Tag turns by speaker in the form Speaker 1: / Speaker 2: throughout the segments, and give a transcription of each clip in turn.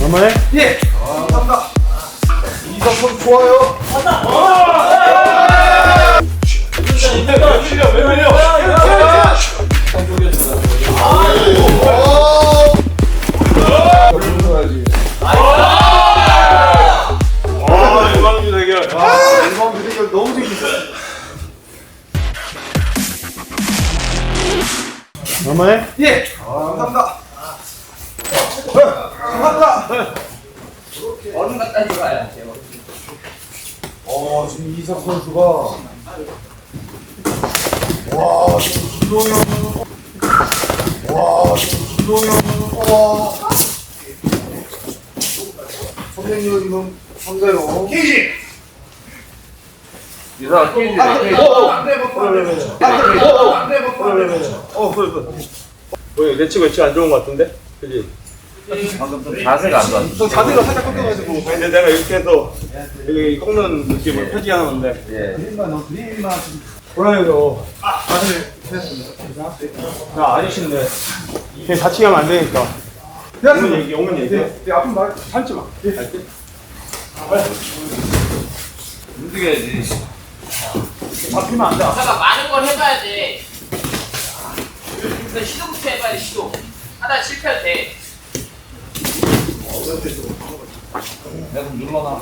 Speaker 1: 정말?
Speaker 2: 예! 감사합니다. 이석선 좋아요.
Speaker 1: 왜 밀려? 유망주 대결.
Speaker 2: 유망주 대결 너무 재밌어.
Speaker 1: 정말?
Speaker 2: 예! 감사합니다. 감사합니다.
Speaker 3: 얼음 갖다 줘봐요.
Speaker 2: 지금 이석 선수가 지금 김동현 선생님은 지금 상대로 케이지!
Speaker 3: 유사 케이지.
Speaker 1: 왜 내치고 있지 안 좋은 것 같은데? 그지?
Speaker 3: 방금 좀 자세가 안 좋았어.
Speaker 2: 자세가 살짝 꺾여가지고.
Speaker 1: 근데 내가 이렇게 해서 여기 꺾는 느낌을 표지하는 건데.
Speaker 3: 예.
Speaker 1: 몰라요. 야, 아저씨인데. 그냥 다치게 하면 안 되니까. 오면 얘기.
Speaker 2: 아픈 말.
Speaker 1: 참지 마.
Speaker 3: 움직여야지.
Speaker 1: 잡히면 안 돼.
Speaker 4: 잠깐 많은 걸 해봐야 돼. 일단 시도부터 해봐야 돼. 시도. 하다 실패해도 돼.
Speaker 3: 내가 좀 눌러놔.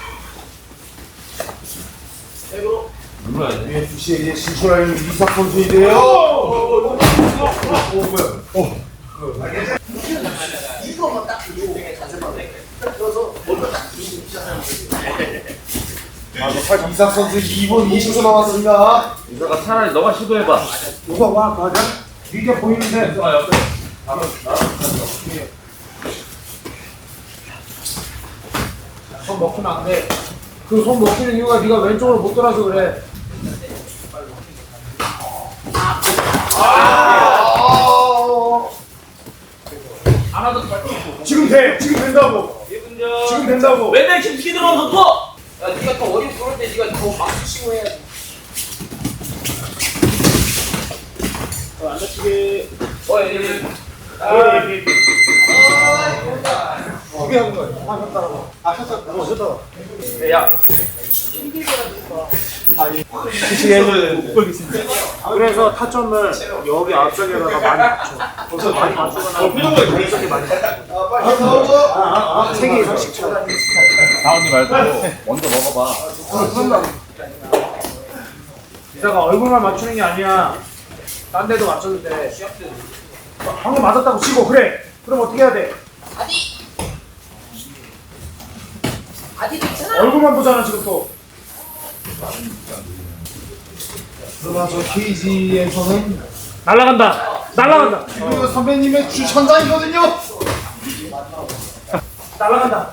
Speaker 4: 백으로.
Speaker 3: 눌러야 돼.
Speaker 2: UFC에 이제 진출하는 이석 선수인데요.
Speaker 4: 이거만 딱 들고 자세만 돼. 들어서 먼저 딱 들고 시작하는 거지.
Speaker 2: 이석 선수 2분 20초 남았습니다.
Speaker 3: 유사가 차라리 너가 시도해봐.
Speaker 2: 누가 와 가자. 이게 보이는데.
Speaker 3: 유사가 옆에.
Speaker 5: 손 먹히면 안 돼. 그 손 먹히는 이유가 네가 왼쪽으로 못 돌아서 그래. 안 하던
Speaker 2: 지금 돼. 지금 된다고. 지금 된다고.
Speaker 4: 맨날 깊이 들어서 또. 야, 네가 더 어린 그럴 때 네가 더 박수 치고 해야지. 안 다치게. 예.
Speaker 2: 어떻게 하는 거예요? 하셨다고. 하셨다고.
Speaker 4: 야.
Speaker 1: 그래서 타점을 여기 앞쪽에다가 많이 맞춰. 거기서 많이 맞추거나. 표정을 이렇게 많이
Speaker 2: 빨리 나오고.
Speaker 1: 3개 이상씩 쳐.
Speaker 3: 나오지 말고 먼저 먹어봐.
Speaker 5: 이사가 얼굴만 맞추는 게 아니야. 딴 데도 맞춰도 돼. 방금 맞았다고 치고 그래. 그럼 어떻게 해야 돼?
Speaker 4: 아디도 있잖아.
Speaker 5: 얼굴만 보잖아 지금 또.
Speaker 2: 그러나 저 KG에서는
Speaker 5: 날라간다. 날라간다.
Speaker 2: 그리고 선배님의 주천장이거든요.
Speaker 5: 날라간다.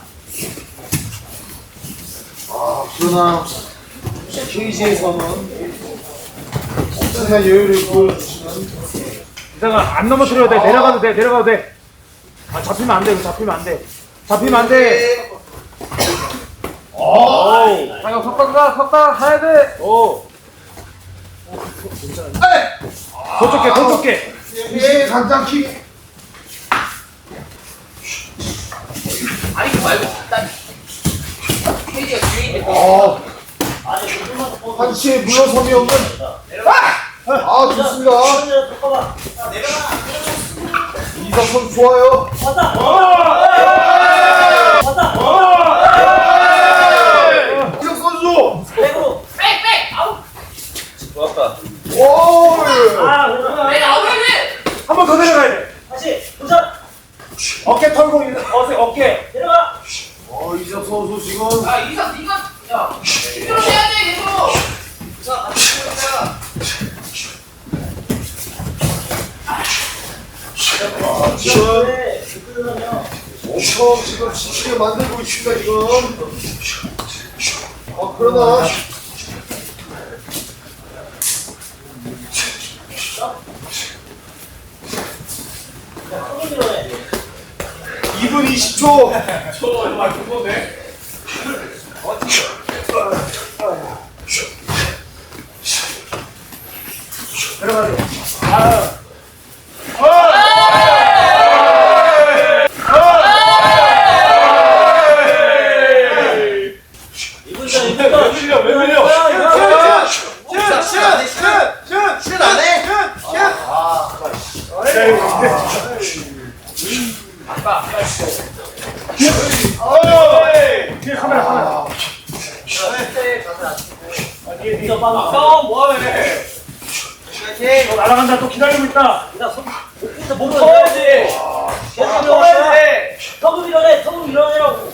Speaker 2: 그러나 KG에서는 엄청난 여유를 보여주시는
Speaker 5: 이사가 안 넘어뜨려도 돼. 내려가도 돼. 내려가도 돼. 아 잡히면 안 돼. 이거 잡히면 안 돼. 잡히면 안 돼.
Speaker 3: 자기가 섰다 가야 돼.
Speaker 5: 더 좁게 더 좁게.
Speaker 2: KG의 강장킥.
Speaker 4: 아니 그거 말고 딱 페이지가 뒤에 있는데.
Speaker 2: 한치의 물러섬이 없는 좋습니다. 이석 선수 좋아요. 이석 선수.
Speaker 4: 백. 아우.
Speaker 3: 좋았다.
Speaker 2: 오.
Speaker 4: 백 아웃이네.
Speaker 5: 한 번 더 내려가야 돼.
Speaker 4: 다시 도전.
Speaker 5: 어깨 털고 어깨.
Speaker 4: 내려가.
Speaker 2: 이석 선수 지금
Speaker 4: 아 이상 네가 야. 이대로 해야 돼 계속. 자 같이 해보자.
Speaker 2: 엄청 지금 지치게 만들고 있습니다 지금. 그러나 2분 20초.
Speaker 5: 뒤에 카메라.
Speaker 4: 형 뭐하면
Speaker 5: 너 날아간다. 또 기다리고 있다.
Speaker 4: 목 커야지. 턱을 밀어내. 턱을 밀어내라고.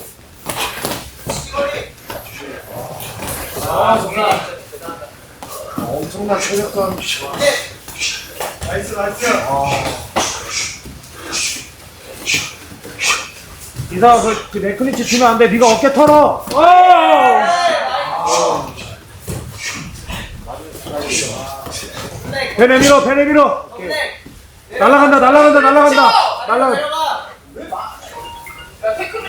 Speaker 2: 엄청난 체력감.
Speaker 5: 나이스. 이사 그 네크니치 주면 안 돼. 네가 어깨 털어. 배내 밀어. 날아간다.
Speaker 4: 야 태클을.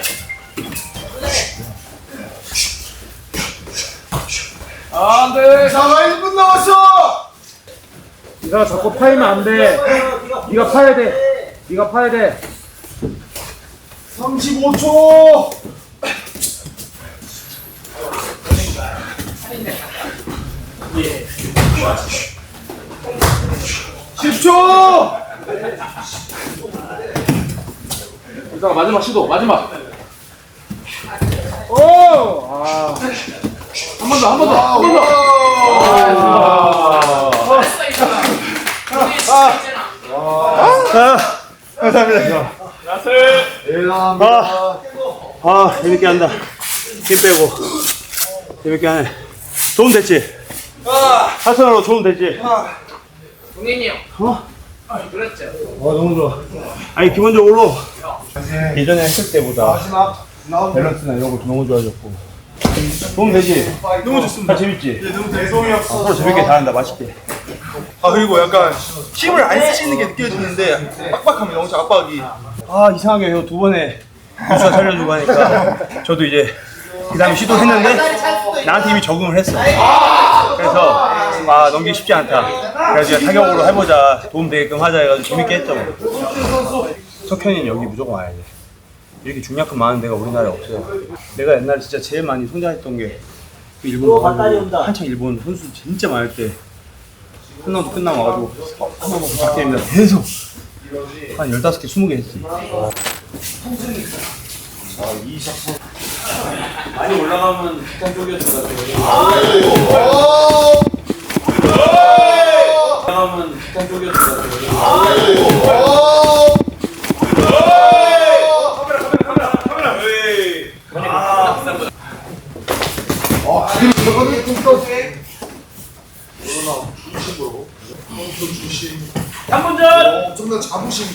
Speaker 3: 안돼.
Speaker 2: 자, 1분 남았어.
Speaker 5: 네가 자꾸 파이면 안 돼. 네가 파야 돼.
Speaker 2: 35초. 10초.
Speaker 3: 이따가 마지막 시도 마지막.
Speaker 5: 오!
Speaker 3: 한 번 더.
Speaker 4: 잘했어 이거. 우리 진짜 있잖아.
Speaker 1: 감사합니다.
Speaker 2: 대단합니다.
Speaker 1: 재밌게 한다. 힘 빼고. 재밌게 하네. 도움 됐지? 하선으로 도움 됐지?
Speaker 4: 동현이 형. 그렇죠.
Speaker 1: 너무 좋아. 아니, 기본적으로 예전에 했을 때보다 밸런스나 이런 거 너무 좋아졌고. 도움 되지?
Speaker 2: 너무 좋습니다.
Speaker 1: 재밌지?
Speaker 2: 너무 대성이었어.
Speaker 1: 서로 재밌게 잘한다. 맛있게.
Speaker 2: 그리고 약간 힘을 안 쓰시는 게 느껴지는데 빡빡하면 너무 압박이.
Speaker 1: 이상하게 형 두 번에 유수가 살려주고 하니까 저도 이제 그 다음에 시도했는데 나한테 이미 적응을 했어. 그래서 넘기기 쉽지 않다. 그래서 그냥 타격으로 해보자. 도움 되게끔 하자 해가지고 재밌게 했죠. 석현이는 여기 무조건 와야 돼. 이렇게 중량급 많은 데가 우리나라에 없어요. 내가 옛날에 진짜 제일 많이 성장했던 게 그 일본 가가지고 한창 일본 선수 진짜 많을 때 끝나고 와가지고 한 번 먹고 작게입니다. 계속 한 15개, 20개 했지.
Speaker 3: 많이 올라가면 북한 쪽이었을 것 같아요. 올라가면 북한 쪽이었을 것 같아요.
Speaker 2: 저거는 뚱뚱.
Speaker 4: 3분 전.
Speaker 2: 엄청난 자부심.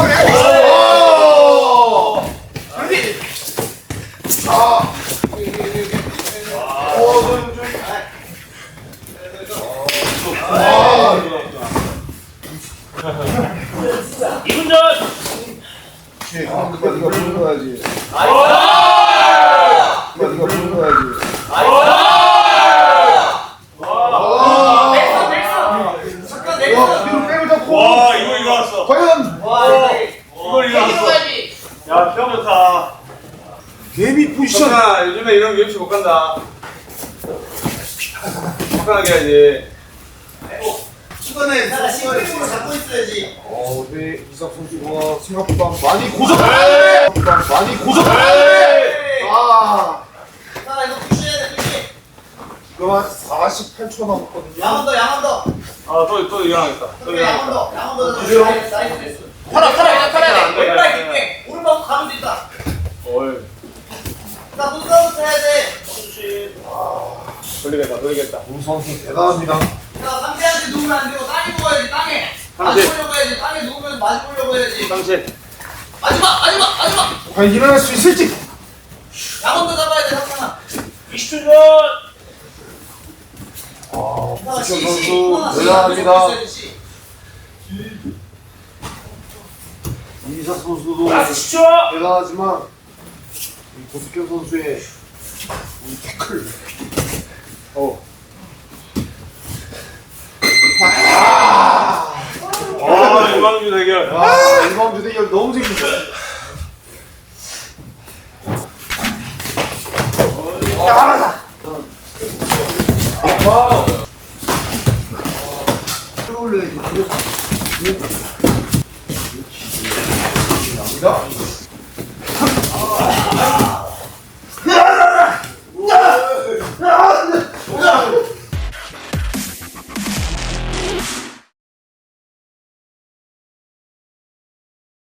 Speaker 4: 이분 전.
Speaker 2: 네가 불러야지. 네가 불러야지.
Speaker 1: 와, 이거 일어났어.
Speaker 2: 과연
Speaker 1: 이걸 일어났어.
Speaker 4: 가야지.
Speaker 1: 야, 형 좋다.
Speaker 2: 개미 포지션.
Speaker 3: 요즘에 이런 UFC 못 간다. 화끈하게 해야지.
Speaker 2: 네, 이삭 선수가 생각보다 많이 고전. 그만 48초 남았거든요.
Speaker 3: 또 일어나겠다. 또 일어나겠다.
Speaker 4: 팔아. 왼발 깊게. 오른발 가면 된다. 나 눈싸움부터 해야 돼.
Speaker 3: 돌리겠다.
Speaker 2: 우 선수 대단합니다.
Speaker 4: 자, 상대한테 누우면 안 되고 땅에 누워야지. 땅에. 맞으려고 해야지. 땅에 누우면 맞으려고 해야지.
Speaker 1: 당신.
Speaker 4: 마지막.
Speaker 2: 과연 일어날 수 있을지.
Speaker 4: 양원도 잡아야 돼. 상상아. 20초 전.
Speaker 2: 박현 선수 대단합니다. 이삭 선수도
Speaker 4: 10초.
Speaker 2: 대단하지만 이 고석현 선수의 이 태클.
Speaker 1: 유망주 대결.
Speaker 2: 이광주 대결 너무 재밌어. 끌어올려야지.